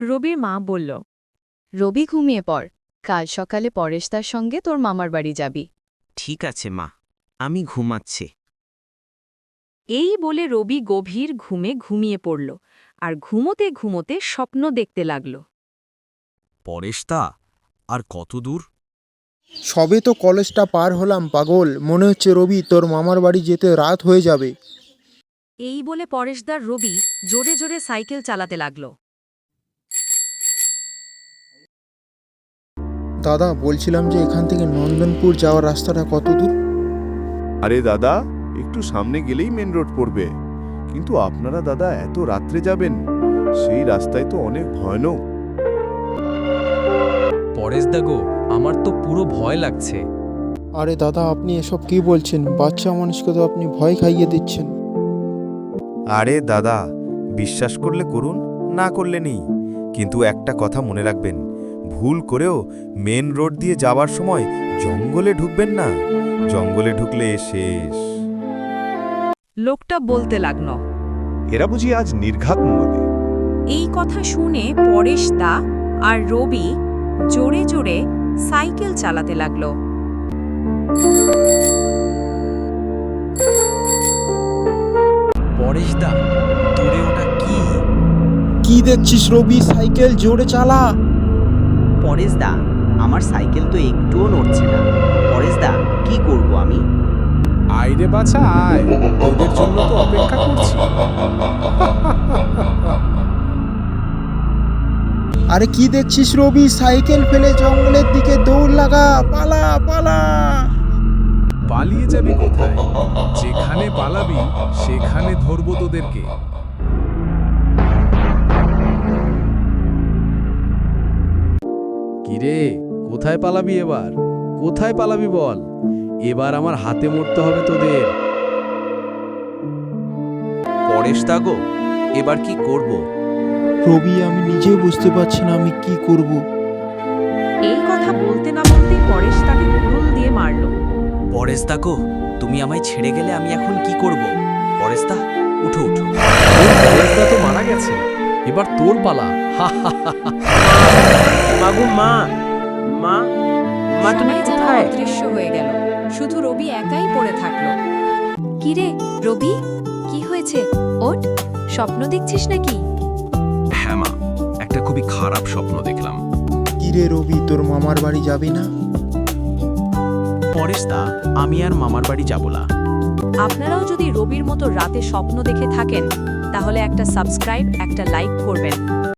রবির মা বলল, রবি ঘুমিয়ে পড়, কাল সকালে পরেশদার সঙ্গে তোর মামার বাড়ি যাবি। ঠিক আছে মা, আমি ঘুমাচ্ছি। এই বলে রবি গভীর ঘুমে ঘুমিয়ে পড়ল আর ঘুমোতে ঘুমোতে স্বপ্ন দেখতে লাগল। পরেশদা, আর কত দূর? সবে তো কলেজটা পার হলাম পাগল, মনে হচ্ছে রবি তোর মামার বাড়ি যেতে রাত হয়ে যাবে। এই বলে পরেশদার রবি জোরে জোরে সাইকেল চালাতে লাগল। দাদা, বলছিলাম যে এখান থেকে নন্দনপুর যাওয়ার রাস্তাটা কত দূর? আরে দাদা, একটু সামনে গেলেই মেন রোড পড়বে। কিন্তু আপনারা দাদা এত রাত্রে যাবেন, সেই রাস্তায় তো অনেক ভয়ানক। পরেশদা গো, আমার তো পুরো ভয় লাগছে। আরে দাদা, আপনি এসব কি বলছেন? বাচ্চা মানুষকে তো আপনি ভয় খাইয়ে দিচ্ছেন। আরে দাদা, বিশ্বাস করলে করুন, না করলে নেই, কিন্তু একটা কথা মনে রাখবেন, ভুল করেও মেন রোড দিয়ে যাওয়ার সময় জঙ্গলে ঢুকবেন না। জঙ্গলে ঢুকলে শেষ। লোকটা বলতে লাগল। এরা বুঝি আজ নির্ঘাত মদে। এই কথা শুনে পরেশদা আর রবি জোরে জোরে সাইকেল চালাতে লাগল। পরেশদা, দূরে ওটা কি? কি দেখছিস রবি? সাইকেল জোরে চালা। পরেশদা, আমার সাইকেল তো একটুও নড়ছে না। পরেশদা, কি করব আমি? আইরে বাছা আয়, ওদের জন্য তো অপেক্ষা করছি। আরে কি দেখছিস রবি? সাইকেল ফেলে জঙ্গলের দিকে দৌড় লাগা, পালা পালা। পালিয়ে যাবি কোথায়? যেখানে পালাবি সেখানে ধরবো তোদেরকে। কিরে, কোথায় পালাবি এবার? কোথায় পালাবি বল? এবার আমার হাতে মরতে হবে তোদের। পরেশদা গো, এবার কি করব? রবি, আমি নিজে বুঝতে পারছি না আমি কি করব। এই কথা বলতে না বলতেই পরেশ তাকে কুড়ুল দিয়ে মারল। পরেশদা গো, তুমি আমায় ছেড়ে গেলে আমি এখন কি করব? পরেশদা, উঠো উঠো। পরেশদা তো মারা গেছে, এবার তোর পালা। মাগু মা, মা, মা তুমি সবাই যেন কোথায়? অদৃশ্য হয়ে গেল, শুধু রবি একাই পড়ে থাকলো। কিরে রবি, কি হয়েছে? ওঠ, স্বপ্ন দেখছিস নাকি? হ্যাঁ মা, একটা খুবই খারাপ স্বপ্ন দেখলাম। কিরে রবি, তোর মামার বাড়ি যাবি না? পরেশদা, আমি আর মামার বাড়ি যাব না। আপনারাও যদি রবির মতো রাতে স্বপ্ন দেখে থাকেন তাহলে একটা সাবস্ক্রাইব, একটা লাইক করবেন।